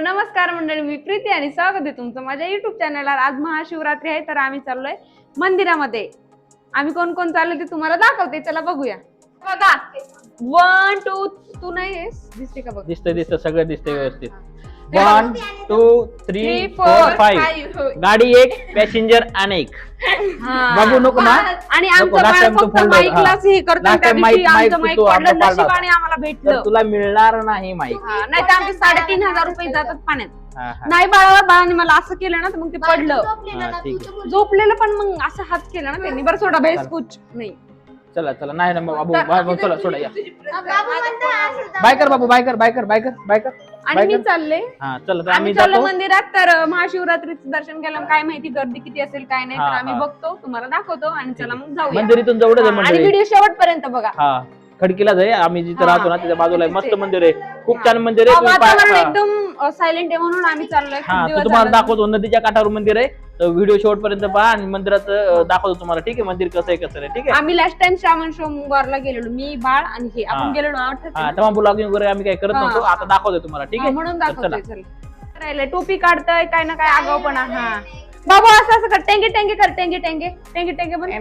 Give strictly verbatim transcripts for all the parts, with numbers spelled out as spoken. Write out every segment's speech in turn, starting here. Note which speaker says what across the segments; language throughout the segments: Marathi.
Speaker 1: नमस्कार मंडळी, मी प्रीती आणि स्वागत आहे तुमचं माझ्या युट्यूब चॅनलवर। आज महाशिवरात्री आहे तर आम्ही चाललोय मंदिरामध्ये। आम्ही कोण कोण चाललोय ते तुम्हाला दाखवते, चला बघूया। बघा वन टू तू नाही दिसते का? बघ
Speaker 2: दिसते दिसते सगळं दिसते व्यवस्थित। One two three four five गाडी एक, पॅसेंजर अनेक। बघू नको ना।
Speaker 1: आणि आमचं बाळ फक्त माईकलाच हे करतो, त्या दिवशी आमचं माईक पडलं नशिबाने आम्हाला भेटलं।
Speaker 2: तुला मिळणार नाही माईक,
Speaker 1: नाही तर आमचे साडेतीन हजार रुपये जातात पाण्यात। नाही बाळावर बाळाने मला असं केलं ना तर मग ते पडलं। झोपलेलं पण मग असं हात केला ना त्यांनी। बरं सोडा बेस कुछ नाही। चला
Speaker 2: चला नाही ना बाबू बाबू चला सोडा या। बायकर बाबू बायकर बायकर बायकर बायकर
Speaker 1: आणि मी चालले।
Speaker 2: हा चला तर
Speaker 1: आम्ही चाललो मंदिरात। तर महाशिवरात्रीचं दर्शन केलं, काय माहिती गर्दी किती असेल काय नाही, तर आम्ही बघतो तुम्हाला दाखवतो आणि चला मग जाऊया।
Speaker 2: मंदिरातून जवळच आहे
Speaker 1: आणि व्हिडिओ शेवटपर्यंत बघा।
Speaker 2: हा खडकीला जाय, आम्ही जिथे राहतो ना त्याच्या बाजूला मस्त मंदिर आहे, खूप छान मंदिर आहे।
Speaker 1: वातावरण एकदम सायलेंट आहे म्हणून आम्ही चाललोय।
Speaker 2: तुम्हाला दाखवतो, नदीच्या काठावर मंदिर आहे, तर व्हिडिओ शेवटपर्यंत पहा आणि मंदिरात दाखवतो तुम्हाला, ठीक आहे? मंदिर कसं आहे कसं आहे, ठीक आहे?
Speaker 1: आम्ही लास्ट टाइम श्रावण सोमवारला गेलेलो, मी बाळ आणि हे आपण गेलेलो आठवतं।
Speaker 2: हा तेव्हा ब्लॉगिंग वगैरे आम्ही काय करत नव्हतो, आता दाखवतोय तुम्हाला, ठीक आहे?
Speaker 1: म्हणून दाखवतोय। चला राहिले टोपी काढतोय काय ना काय आगाऊपणा। हा बाबा असं असं कर, टेंगे टेंगे कर, टेंगे टेंगे टेंगे टेंगे बन।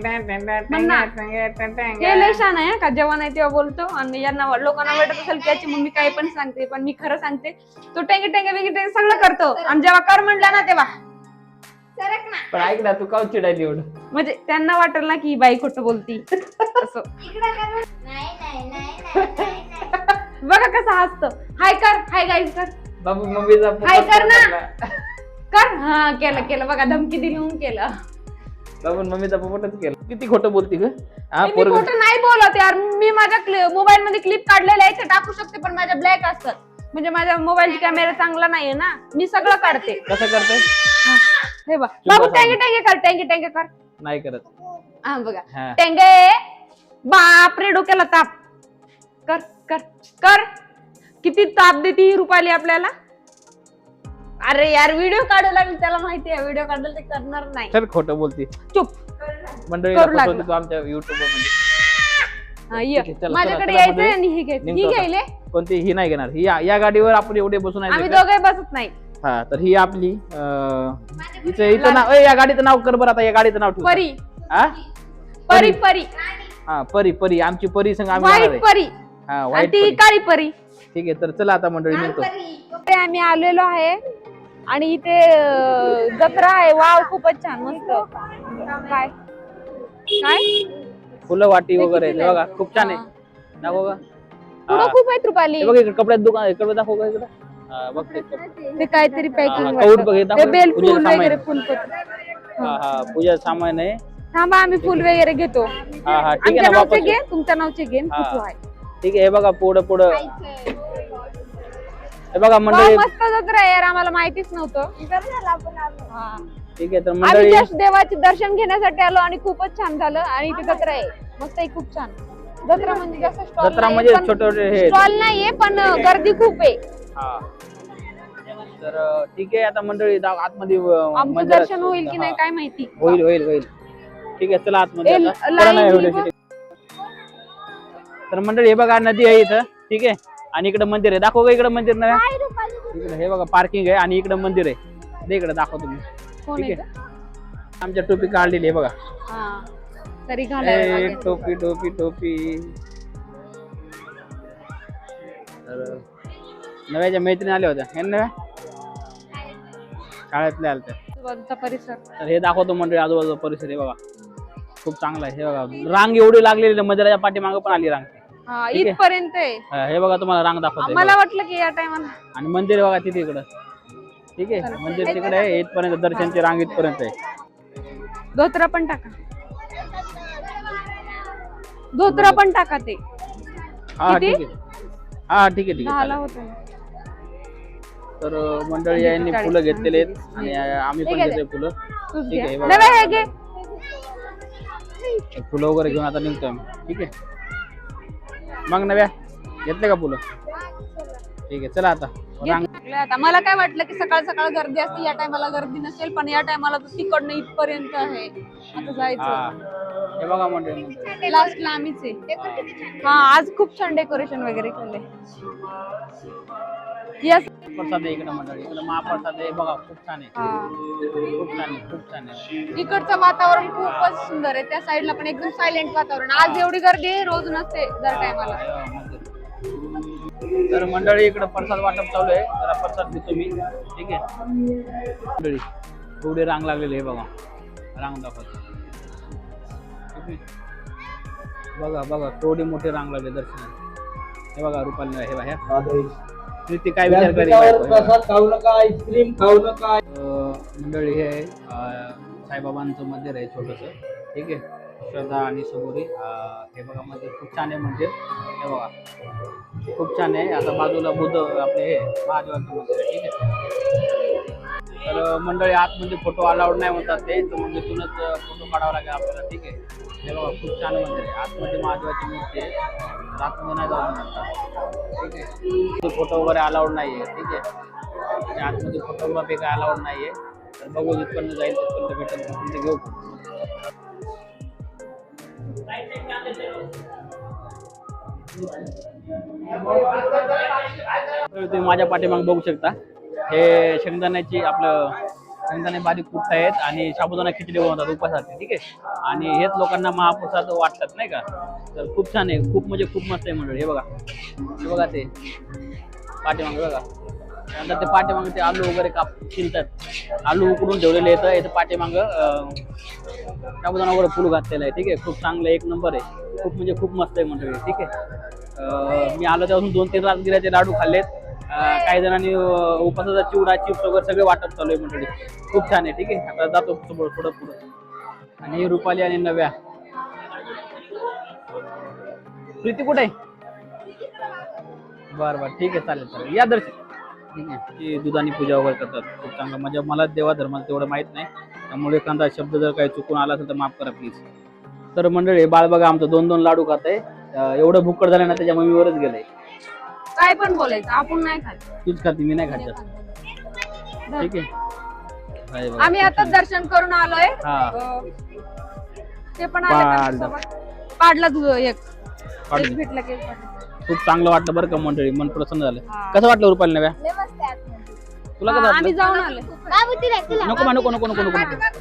Speaker 1: हे लय छान आहे का, जेव्हा नाही तेव्हा बोलतो आणि यांना लोकांना वाटत असेल त्याची मम्मी काही पण सांगते, पण मी खरं सांगते। तो टेंगे टेंगे वेगळे टेंगे सगळं करतो आणि जेव्हा कर म्हणला ना तेव्हा
Speaker 2: पण ऐक ना, तू का चिडायली एवढं?
Speaker 1: म्हणजे त्यांना वाटेल ना की बाई खोटं बोलती असं। बघा कसं हसतो। हाय कर, हाय गाईज कर
Speaker 2: बाबू मम्मीचा
Speaker 1: हाय कर ना, कर। हा केलं केलं बघा, धमकी दिली म्हणून केलं।
Speaker 2: बाबू मम्मीचा पोपटच केलं। किती खोटं बोलती ग?
Speaker 1: हा मी खोटं नाही बोलत यार, मी माझ्या मोबाईल मध्ये क्लिप काढलेले आहे, ते टाकू शकते, पण माझ्या ब्लॅक असतात, म्हणजे माझ्या मोबाईलचा कॅमेरा चांगला नाहीये ना, मी सगळं काढते।
Speaker 2: कसं करते?
Speaker 1: हे बघ बाबू, टेंगे टेंगे कर, टेंगे टेंगे कर।
Speaker 2: नाही करत।
Speaker 1: हा बघा टेंगे, बापरे डोक्याला ताप। कर कर कर, किती ताप देती ही रुपाली आपल्याला। अरे यार व्हिडिओ काढू लागली, त्याला माहिती आहे व्हिडिओ काढलं ते करणार नाही।
Speaker 2: चल खोटं बोलती,
Speaker 1: चुप।
Speaker 2: मंडळी दाखवतो तू आमच्या YouTube मध्ये।
Speaker 1: माझ्याकडे यायचंय आणि ही घ्यायची, ही घ्यायले
Speaker 2: कोणती? ही नाही घेणार, ही या गाडीवर आपण एवढे बसून
Speaker 1: आम्ही दोघे बसत नाही।
Speaker 2: हा तर ही आपली हिचं हिचं नाव, या गाडीचं नाव कर बरं आता, या गाडीचं नाव ठेव।
Speaker 1: परी।
Speaker 2: हा
Speaker 1: परी परी
Speaker 2: हा परी परी आमची परी संग आम्ही
Speaker 1: व्हाईट परी।
Speaker 2: हा व्हाईट
Speaker 1: ती काळी परी।
Speaker 2: ठीक आहे, तर चला आता मंडळी निघतो।
Speaker 1: आम्ही आलेलो आहे आणि इथे जत्रा आहे। वाव खूपच छान, मस्त। काय काय
Speaker 2: फुलं वाटी वगैरे बघा, खूप छान आहे। दाखव का?
Speaker 1: पुढं खूप आहेत रुपाली।
Speaker 2: बघ इकडे कपड्यात दुकान आहे, कपडे दाखव का इकडे? हा बघ
Speaker 1: ते काहीतरी पॅकिंग
Speaker 2: कौड बघ,
Speaker 1: ते बेल फूल वगैरे, फुलपत्र।
Speaker 2: हा हा पूजा सामान आहे।
Speaker 1: थांबा आम्ही फुल वगैरे घेतो।
Speaker 2: हा हा ठीक आहे ना, वापस
Speaker 1: घे, तुमच्या नावचे घे।
Speaker 2: ठीक आहे, हे बघा पुढं पुढं हे बघा मंडळी,
Speaker 1: मस्त जत्रा आहे यार, आम्हाला माहितीच नव्हतं।
Speaker 2: ठीक आहे तर मंडळी,
Speaker 1: आम्ही देवाचे दर्शन घेण्यासाठी आलो आणि खूपच छान झालं। आणि इथे जत्रा आहे, मस्त आहे, खूप छान जत्रा। म्हणजे जसं स्टॉल,
Speaker 2: जत्रा म्हणजे छोटे छोटे हे
Speaker 1: स्टॉल नाहीये, पण गर्दी खूप आहे।
Speaker 2: हा तर ठीक आहे आता मंडळी, आतमध्ये
Speaker 1: आमचं दर्शन होईल की नाही काय माहिती।
Speaker 2: होईल होईल होईल ठीक आहे, चला आतमध्ये आता। तर मंडळी हे बघा नदी आहे इथं, ठीक आहे, आणि इकडे मंदिर आहे। दाखव का इकडे मंदिर नाही? इकडे हे बघा पार्किंग आहे आणि इकडे मंदिर आहे, इकडे दाखव तुम्ही, ठीक आहे? आमच्या टोपी काढलेली आहे बघा,
Speaker 1: तरी
Speaker 2: टोपी टोपी टोपी। तर नव्याच्या मैत्रिणी आल्या होत्या हे नव्या शाळेतल्या आल्या,
Speaker 1: आजूबाजूचा परिसर।
Speaker 2: तर हे दाखवतो मंडळी, आजूबाजूचा परिसर आहे बघा, खूप चांगला आहे। हे बघा रांग एवढी लागलेली, मंदिराच्या पाठीमागे पण आली रांग,
Speaker 1: इथपर्यंत आहे।
Speaker 2: हे बघा तुम्हाला रांग दाखवतो,
Speaker 1: मला वाटलं की या टायमाला।
Speaker 2: आणि मंदिर बघा तिथे इकडं, ठीक आहे, मंदिर तिकडे आहे, इथपर्यंत दर्शनची रांग इथपर्यंत आहे।
Speaker 1: धोत्रा पण टाका, धोत्रा पण टाका ते।
Speaker 2: हा ठीक आहे, हा ठीक आहे ठीक आहे। तर मंडळी यांनी फुलं घेतलेले आहेत आणि आम्ही पण घेतोय फुलं, ठीक आहे? फुलं वगैरे घेऊन आता निघतोय आम्ही, ठीक आहे? मग नव्या घेतले का फुलं? ठीक आहे, चला आता
Speaker 1: आता। मला काय वाटलं की सकाळ सकाळ गर्दी असते, या टायमाला गर्दी नसेल, पण या टायमाला तर तिकडनं इथपर्यंत आहे। आता जायचं,
Speaker 2: हे बघा मंडळी,
Speaker 1: लास्टला आम्हीच आहे। हा आज खूप छान डेकोरेशन वगैरे केलंय। यस.
Speaker 2: प्रसाद आहे इकडे मंडळी, इकडे महाप्रसाद आहे बघा, खूप छान आहे, खूप छान आहे, खूप छान आहे.
Speaker 1: इकडचं वातावरण खूपच सुंदर आहे. त्या साईडला पण एकदम सायलेंट वातावरण. आज एवढी गर्दी आहे, रोज नसते दर टायमाला.
Speaker 2: तर मंडळी इकडे प्रसाद वाटप चालू आहे, जरा प्रसाद घेतो मी. ठीक आहे मंडळी, एवढी रांग लागलेली आहे बघा, रांग दाखवतो. बघा बघा केवढी मोठी रांग लागली दर्शनाला. हे बघा रुपाली हे बघा, प्रीती काय विचार करेल.
Speaker 3: प्रसाद खाऊ नका, आईस्क्रीम खाऊ नका.
Speaker 2: मंडळी हे साईबाबांचं मंदिर आहे छोटस. ठीक आहे, श्रद्धा आणि सबुरी. हे बघा मंदिर खूप छान आहे मंदिर, हे बघा खूप छान आहे. आता बाजूला बुद्ध आपले हे महादेवांचं मंदिर आहे. ठीक आहे, तर मंडळी आतमध्ये फोटो अलाउड नाही म्हणतात ते, तर मग इथूनच फोटो काढावा लागेल आपल्याला. ठीक आहे, हे बघा खूप छान मंदिर आहे. आतमध्ये महादेवाची मूर्ती आहे, आतमध्ये नाही जाऊ म्हणतात. ठीक आहे, फोटो वगैरे अलाउड नाही आहे. ठीक आहे, आणि आतमध्ये फोटोग्राफी काय अलाउड नाही आहे. तर बघू जिथपर्यंत जाईल तिथपर्यंत भेटेल तिथे घेऊ. तुम्ही माझ्या पाठीमागे बघू शकता, हे शेंगदाण्याची आपलं शेंगदाणे बारीक कुठत आहेत आणि साबुदाणा खिचडी बनवतात उपासाठी. ठीक आहे, आणि हेच लोकांना महाप्रसाद वाटतात नाही का. तर खूप छान आहे, खूप म्हणजे खूप मस्त आहे मंडळी. हे बघा, हे बघा ते पाठीमागे बघा, नंतर ते पाठीमागे ते आलू वगैरे काप शिलतात, आलू उकडून ठेवलेले येतं. इथं पाठीमागं साबुदाणा वगैरे फुल घातलेलं आहे. ठीक आहे, खूप चांगलं एक नंबर आहे, खूप म्हणजे खूप मस्त आहे मंडळी. ठीक आहे, मी आलो त्यापासून दोन तीन राजगिऱ्याचे लाडू खाल्लेत. काही जणांनी उपासाचा चिवडा चिप्स वगैरे सगळे वाटप चालू आहे मंडळी, खूप छान आहे. ठीक आहे, आता जातो थोडं पुढं. आणि रुपाली आणि नव्या. प्रीती कुठे आहे? बरं बरं ठीक आहे, चालेल चालेल, या दर्शन. ठीक आहे, ती दुधानी पूजा वगैरे करतात, खूप चांगलं. म्हणजे मला देवा धर्माला तेवढं माहित नाही, त्यामुळे एखादा शब्द जर काही चुकून आला असेल तर माफ करा प्लीज. तर मंडळी बाळ बघा आमचं दोन दोन लाडू खात आहे. एवढं भुक्कड झालं ना त्याच्या मम्मीवरच गेलंय.
Speaker 1: काय पण बोलायचं, आपण नाही खात.
Speaker 2: तूच खाती, मी नाही खात जास्त. ठीक आहे,
Speaker 1: आम्ही आता दर्शन करून आलोय. ते पण आले पाडला तुझं एक भेटला की.
Speaker 2: खूप चांगलं वाटलं बरं का मंडळी, मन प्रसन्न झालं. कसं वाटलं रुपाली नव्या तुला? कसं
Speaker 1: आम्ही जाऊन आलोय.
Speaker 2: नको नको नको नको नको.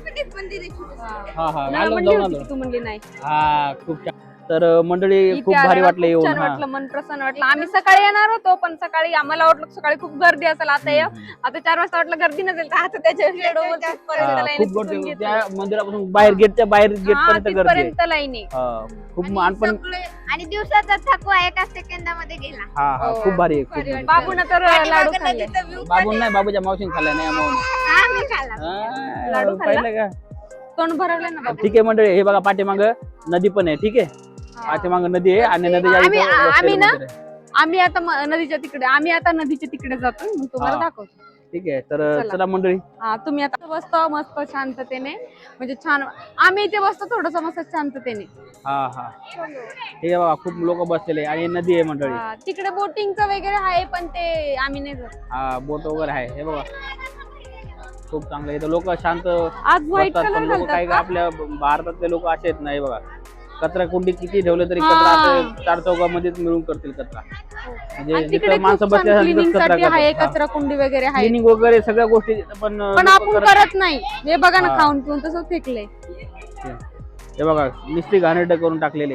Speaker 2: हा हा जाऊन आलो.
Speaker 1: तू म्हणली नाही.
Speaker 2: हा खूप छान. तर मंडळी खूप भारी वाटलं येऊन.
Speaker 1: छान वाटलं, मन प्रसन्न वाटलं. आम्ही सकाळी येणार होतो, पण सकाळी आम्हाला वाटलं सकाळी खूप गर्दी असेल. आता ये आता चार वाजता वाटलं गर्दी नसेल, आता त्याच्या
Speaker 2: खूप गर्दी त्या मंदिरापासून बाहेर गेटच्या बाहेर गेट पर्यंत
Speaker 1: लाईन
Speaker 2: आहे. खूप पण
Speaker 4: आणि दिवसाचा थकवा एका सेकंदामध्ये गेला.
Speaker 2: हा हा खूप भारी आहे.
Speaker 1: बाबून तर लाडू खाल्ले.
Speaker 2: बाबून नाही, बाबूच्या मावशीने खाल्ला नाही.
Speaker 4: आम्ही खाल्ला.
Speaker 1: लाडू
Speaker 2: पाहिलं का,
Speaker 1: तोंड भरवलं ना.
Speaker 2: ठीक आहे मंडळी, हे बघा पाठीमाग नदी पण आहे. ठीक आहे, पाठीमाग नदी आहे आणि नदीच्या
Speaker 1: आम्ही ना आम्ही आता नदीच्या तिकडे आम्ही आता नदीच्या तिकडे जातो, मग तुम्हाला दाखवतो.
Speaker 2: ठीक आहे, तर चला मंडळी.
Speaker 1: हा, तुम्ही आता बसतो मस्त शांततेने, म्हणजे छान. आम्ही इथे बसतो थोडस मस्त शांततेने.
Speaker 2: हा हा, हे बघा खूप लोक बसलेले आणि नदी आहे मंडळी.
Speaker 1: तिकडे बोटिंगचं वगैरे आहे, पण ते आम्ही नाही जात.
Speaker 2: हा, बोट वगैरे आहे. हे बघा खूप चांगलं. इथं लोक शांत
Speaker 1: आज व्हाईट कलर
Speaker 2: लोक काही आपल्या भारतातले लोक असे आहेत नाही बघा. कचरा कुंडी किती ठेवले तरी कचरा चार चौकामध्येच मिळून करतील कचरा. म्हणजे माणसं बसल्या
Speaker 1: कचरा कुंडी वगैरे आहे,
Speaker 2: क्लिनिंग वगैरे सगळ्या गोष्टी, पण
Speaker 1: पण आपण करत नाही. हे बघा ना, खाऊन पिऊन तसं फेकलंय.
Speaker 2: हे बघा नुसती घाणेरडं करून टाकलेले.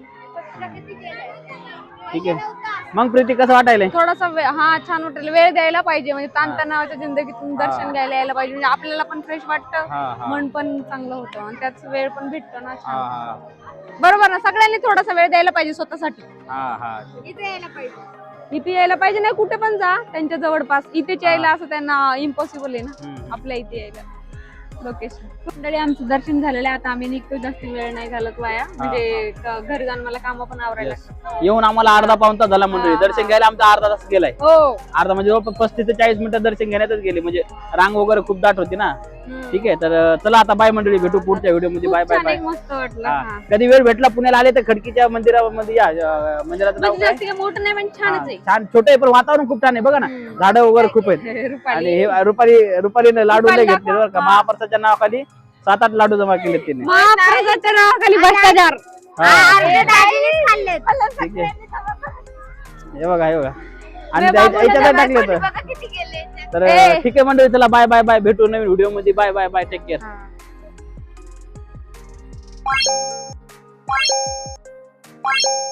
Speaker 2: ठीक आहे, मग प्रीती कसं वाटायला?
Speaker 1: थोडासा हा छान वाटेल. वेळ द्यायला पाहिजे, म्हणजे ताणतणावाच्या जिंदगीतून दर्शन घ्यायला यायला पाहिजे. म्हणजे आपल्याला पण फ्रेश वाटतं, मन पण चांगलं होतं आणि त्याच वेळ पण भेटतो ना. बरोबर ना, सगळ्यांनी थोडासा वेळ द्यायला पाहिजे स्वतःसाठी.
Speaker 4: इथे यायला पाहिजे.
Speaker 1: इथे यायला पाहिजे, नाही कुठे पण जा त्यांच्या जवळपास. इथेच यायला असं त्यांना इम्पॉसिबल आहे ना आपल्या इथे यायला. लोकेशन मंडळी आमचं दर्शन झालेलं आहे. आता आम्ही निघतो, जास्त वेळ नाही घालत वाया, म्हणजे घरी जाऊन मला काम पण आवरायला.
Speaker 2: येऊन आम्हाला अर्धा पाऊण तास झाला मंडळी. दर्शन घ्यायला आमचा अर्धा तास गेलाय.
Speaker 1: हो,
Speaker 2: अर्धा म्हणजे पस्तीस ते चाळीस मिनिटं दर्शन घेण्यातच गेले, म्हणजे रांग वगैरे खूप दाट होती ना. ठीक आहे, तर चला आता बाय मंडळी, भेटू पुढच्या व्हिडिओ मध्ये. Bye bye bye.
Speaker 1: मस्त वाटलं.
Speaker 2: कधी वेळ भेटला पुण्याला आले तर खडकीच्या मंदिरामध्ये या. मंदिराचं नाव काय?
Speaker 1: मोठं नाही पण छानच आहे.
Speaker 2: छान छोटे आहे, पण वातावरण खूप छान आहे. बघा ना, झाडं वगैरे खूप आहेत. आणि हे रुपाली रुपालीने लाडू नाही घेतले बरं का. महाप्रसादच्या नावाखाली सात आठ लाडू जमा केले तिने.
Speaker 1: महाप्रसादच्या नावाखाली भ्रष्टाचार.
Speaker 2: ठीक आहे, हे बघा हे बघा आणि
Speaker 1: मी
Speaker 2: त्या-
Speaker 1: बाबूला
Speaker 2: याच्यात
Speaker 1: नाही
Speaker 2: टाकले तर
Speaker 4: बघा किती गेले याच्यात.
Speaker 2: तर
Speaker 1: ए.
Speaker 2: ठीक आहे मंडळी, चला बाय बाय बाय, भेटू नवीन व्हिडिओ मध्ये. Bye bye bye, take care.
Speaker 1: हा.